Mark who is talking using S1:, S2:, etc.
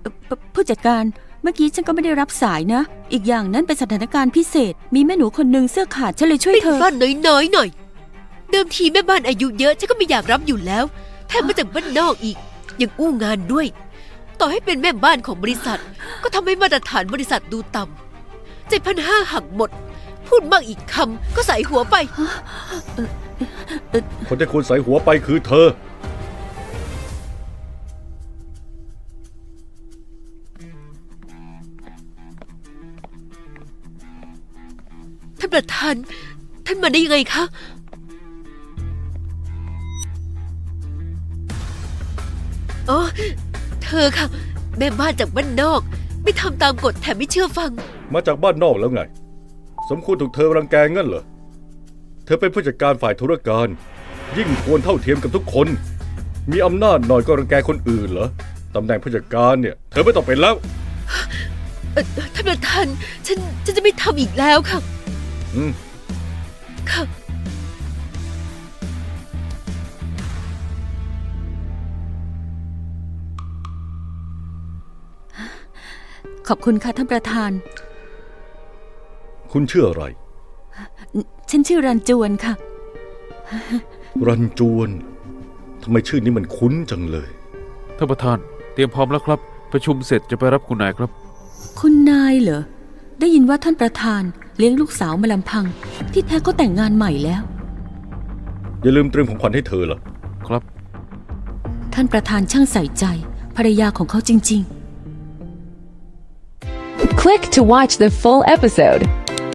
S1: ผู้จัดการเมื่อกี้ฉันก็ไม่ได้รับสายนะอีกอย่างนั้นเป็นสถานการณ์พิเศษมีแม่หนูคนหนึ่งเสื้อขาดฉันเลยช่วย
S2: เป็น
S1: เธอ
S2: บ้านน้อยๆหน่อยเดิมทีแม่บ้านอายุเยอะฉันก็ไม่อยากรับอยู่แล้วแถมมาจากบ้านนอกอีกยังอู้งานด้วยต่อให้เป็นแม่บ้านของบริษัทก็ทำให้มาตรฐานบริษัทดูต่ำ7,500หักหมดพูดมากอีกคำก็ใส่หัวไป
S3: คนที่ควรใส่หัวไปคือเธอ
S2: ท่านประธานท่านมาได้ยังไงคะอ๋อเธอค่ะแม่บ้านจากบ้านนอกไม่ทำตามกฎแถมไม่เชื่อฟัง
S3: มาจากบ้านนอกแล้วไง สมควรถูกเธอรังแกงั้นเหรอ เธอเป็นผู้จัดการฝ่ายธุรการ ยิ่งควรเท่าเทียมกับทุกคน มีอำนาจหน่อยก็รังแกคนอื่นเหรอตำแหน่งผู้จัดการเนี่ยเธอไม่ต้องเป็นแล้ว
S2: ท่านประธานฉันจะไม่ทำอีกแล้วค่ะ
S3: อืม
S2: ค่ะ
S1: ขอบคุณค่ะท่านประธาน
S3: คุณชื่ออะไร
S1: ฉันชื่อรันจวนค่ะ
S3: รันจวนทำไมชื่อนี้มันคุ้นจังเลย
S4: ท่านประธานเตรียมพร้อมแล้วครับประชุมเสร็จจะไปรับคุณนายครับ
S1: คุณนายเหรอได้ยินว่าท่านประธานเลี้ยงลูกสาวมาลำพัง ที่แท้ก็แต่งงานใหม่แล้ว
S3: อย่าลืมเตรียมของขวัญให้เธอล่ะ
S4: ครับ
S1: ท่านประธานช่างใส่ใจภรรยาของเขาจริงๆ
S5: Click to watch the full episode.